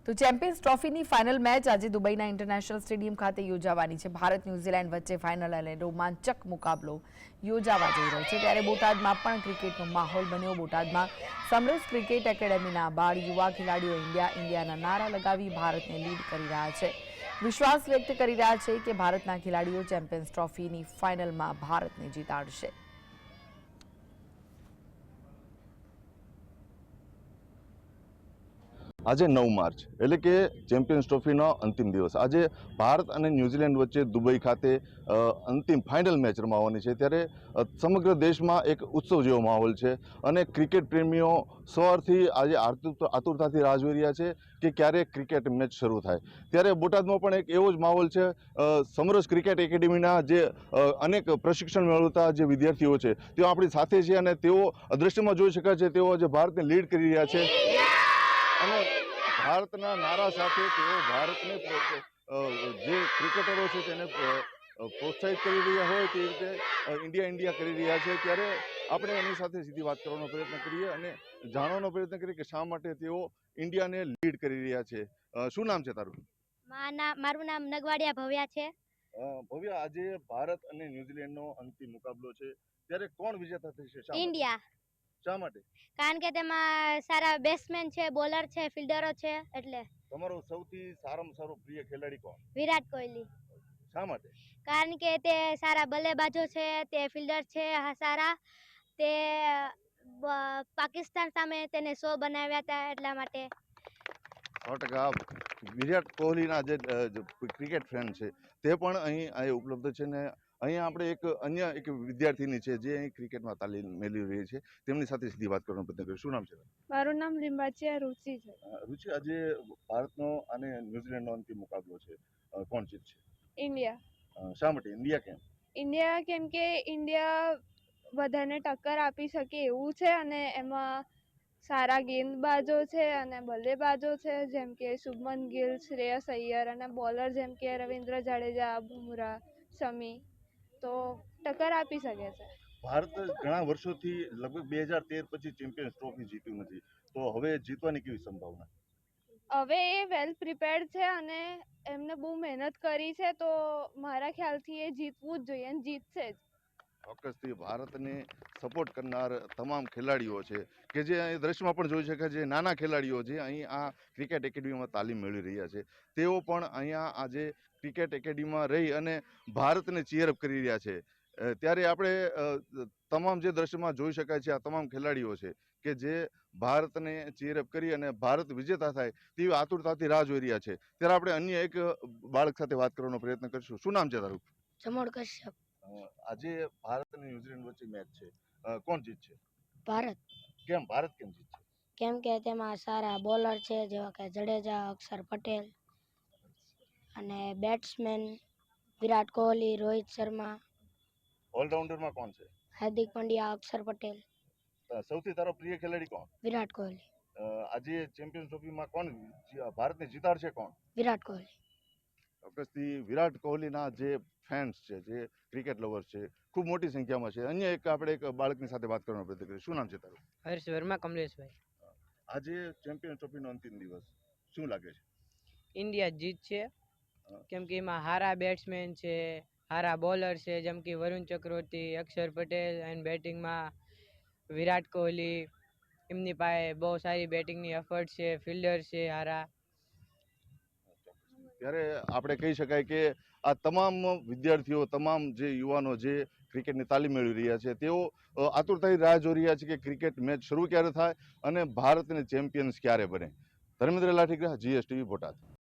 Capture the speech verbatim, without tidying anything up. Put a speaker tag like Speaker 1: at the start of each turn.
Speaker 1: તો champions ટ્રોફીની final match આજે દુબઈના international stadium ખાતે યોજાવાની છે। ભારત ન્યૂઝીલેન્ડ વચ્ચે ફાઇનલ અને રોમાંચક મુકાબલો યોજાવા જઈ રહ્યો છે। ત્યારે બોટાદમાં પણ ક્રિકેટનો માહોલ બન્યો। બોટાદમાં સમરસ ક્રિકેટ એકેડેમીના બાળ યુવા ખેલાડીઓ ઇન્ડિયા ઇન્ડિયાના નારા લગાવી ભારતને લીડ કરી રહ્યા છે। વિશ્વાસ વ્યક્ત કરી રહ્યા છે કે ભારતના ખેલાડીઓ ચેમ્પિયન્સ ટ્રોફીની ફાઇનલમાં ભારતને જીતાડશે।
Speaker 2: आज नौ मार्च एटले के चेम्पियन्स ट्रॉफीनो अंतिम दिवस। आज भारत और न्यूजीलैंड वच्चे दुबई खाते अंतिम फाइनल मैच रमावानी छे। त्यारे समग्र देश में एक उत्सव जेवो माहोल है और क्रिकेट प्रेमीओ सवारथी आज आतुरताथी राह जोई रह्या छे कि क्यारे क्रिकेट मैच शुरू थाय। त्यारे बोटादमां पण एक एवो ज माहोल है। समरस क्रिकेट एकेडमीना जे अनेक प्रशिक्षण मेळवता जे विद्यार्थीओ छे तेओ आपणी साथे छे अने तेओ दृश्यमां जोई शकाय छे तेओ आज भारतने लीड करी रह्या छे। भारतना नारा साथे तेओ भारतने जे क्रिकेटरो छे तेने प्रोत्साहित करी रह्या होय ते रीते इंडिया इंडिया करी रह्या छे। त्यारे આપણે એની સાથે સીધી વાત કરવાનો પ્રયત્ન કરીએ અને જાણવાનો પ્રયત્ન કરીએ કે શા માટે તેઓ ઇન્ડિયાને લીડ કરી રહ્યા છે। શું નામ છે તારું?
Speaker 3: મારું નામ નગવાડિયા ભવ્યા છે।
Speaker 2: ભવ્યા, આજે ભારત અને ન્યુઝીલેન્ડનો અંતિમ મુકાબલો છે ત્યારે કોણ વિજેતા થશે?
Speaker 3: ઇન્ડિયા।
Speaker 2: શા માટે?
Speaker 3: કારણ કે તેમાં સારા બેટ્સમેન છે, બોલર છે, ફિલ્ડરો છે એટલે।
Speaker 2: તમારો સૌથી સારામાં સારો પ્રિય ખેલાડી કોણ?
Speaker 3: વિરાટ કોહલી।
Speaker 2: શા માટે?
Speaker 3: કારણ કે તે સારા બલ્લેબાજો છે, તે ફિલ્ડર છે સારા, તે પાકિસ્તાન સામે તેને સો બનાવ્યા હતા એટલા માટે।
Speaker 2: સો ટકા વિરાટ કોહલીના જે ક્રિકેટ ફેન છે તે પણ અહીં અહીં ઉપલબ્ધ છે ને અહીં આપણે એક અન્ય એક વિદ્યાર્થીની છે જે અહીં ક્રિકેટમાં તાલીમ મેળવી રહી છે તેમની સાથે સીધી વાત કરવાનો પ્રયત્ન કરીશું। શું નામ છે?
Speaker 4: મારું નામ લીંબાચિયા રુચિ છે।
Speaker 2: રુચિ, આજે ભારતનો અને ન્યુઝીલેન્ડનો અંતિમ મુકાબલો છે, કોણ જીતશે?
Speaker 4: ઇન્ડિયા।
Speaker 2: શા માટે ઇન્ડિયા? કેમ
Speaker 4: ઇન્ડિયા? કેમ કે ઇન્ડિયા બધાને ટક્કર આપી શકે એવું છે અને એમાં સારા ગેંદબાજો છે અને બલ્લેબાજો છે જેમ કે શુભમન ગિલ, શ્રેયસ અય્યર અને બોલર જેમ કે રવિન્દ્ર જાડેજા, બુમરાહ, શમી, તો ટક્કર આપી શકે છે।
Speaker 2: ભારત ઘણા વર્ષોથી લગભગ બે હજાર તેર પછી ચેમ્પિયન્સ ટ્રોફી જીત્યું નથી, તો હવે જીતવાની કેવી સંભાવના?
Speaker 4: હવે એ વેલ પ્રિપેર્ડ છે અને એમને બહુ મહેનત કરી છે, તો મારા ખ્યાલથી એ જીતવું જ જોઈએ અને જીતશે જ।
Speaker 2: ચોક્કસથી ભારતને સપોર્ટ કરનાર તમામ ખેલાડીઓ છે કે જે અહીં દ્રશ્યમાં પણ જોઈ શકાય છે, નાના ખેલાડીઓ જે અહીં આ ક્રિકેટ એકેડમીમાં તાલીમ મેળવી રહ્યા છે તેઓ પણ અહીંયા આજે ક્રિકેટ એકેડમીમાં રહી અને ભારતને ચીયરઅપ કરી રહ્યા છે। ત્યારે આપણે તમામ જે દ્રશ્યમાં જોઈ શકાય છે આ તમામ ખેલાડીઓ છે કે જે ભારતને ચીયરઅપ કરી અને ભારત વિજેતા થાય તેવી આતુરતાથી રાહ જોઈ રહ્યા છે। ત્યારે આપણે અન્ય એક બાળક સાથે વાત કરવાનો પ્રયત્ન કરીશું। શું નામ છે તારું?
Speaker 3: જમોડ કશ્યપ।
Speaker 2: આજે ભારત અને ન્યુઝીલેન્ડ વચ્ચે મેચ છે, કોણ જીતશે?
Speaker 3: ભારત।
Speaker 2: કેમ ભારત કેમ જીતશે?
Speaker 3: કેમ કે તેમાં સારા બોલર છે જેવા કે જડેજા, અક્ષર પટેલ અને બેટ્સમેન વિરાટ કોહલી, રોહિત શર્મા,
Speaker 2: ઓલરાઉન્ડરમાં કોણ છે?
Speaker 3: હાર્દિક પંડ્યા, અક્ષર પટેલ।
Speaker 2: સૌથી તારો પ્રિય ખેલાડી કોણ?
Speaker 3: વિરાટ કોહલી।
Speaker 2: આજે ચેમ્પિયન્સ ટ્રોફીમાં કોણ ભારતને જીતાડશે? કોણ?
Speaker 3: વિરાટ કોહલી।
Speaker 2: ચોક્કસથી વિરાટ કોહલીના જે ફેન્સ છે, જે ક્રિકેટ લવર્સ છે, ખૂબ મોટી સંખ્યામાં છે। અન્ય એક આપણે એક બાળકની સાથે વાત કરવાનો પ્રયત્ન કરીશું। શું નામ છે તારું?
Speaker 5: હર્ષ વર્મા કમલેશભાઈ।
Speaker 2: આજે ચેમ્પિયન્સ ટ્રોફીનો અંતિમ દિવસ, શું લાગે છે?
Speaker 5: ઇન્ડિયા જીતશે, કેમ કે એમાં સારા બેટ્સમેન છે, સારા બોલર છે જેમ કે વરુણ ચક્રવર્તી, અક્ષર પટેલ એન્ડ બેટિંગમાં વિરાટ કોહલી, એમની પાસે બહુ સારી બેટિંગની એફર્ટ છે, ફિલ્ડર છે સારા।
Speaker 2: ત્યારે આપણે કહી શકાય કે આ તમામ વિદ્યાર્થીઓ, તમામ જે યુવાનો જે ક્રિકેટની તાલીમ મેળવી રહ્યા છે તેઓ આતુરતાથી રાહ જોઈ રહ્યા છે કે ક્રિકેટ મેચ શરૂ ક્યારે થાય અને ભારતને ચેમ્પિયન્સ ક્યારે બને। ધર્મેન્દ્ર લાઠીગ્રા, જીએસટીવી, બોટાદ।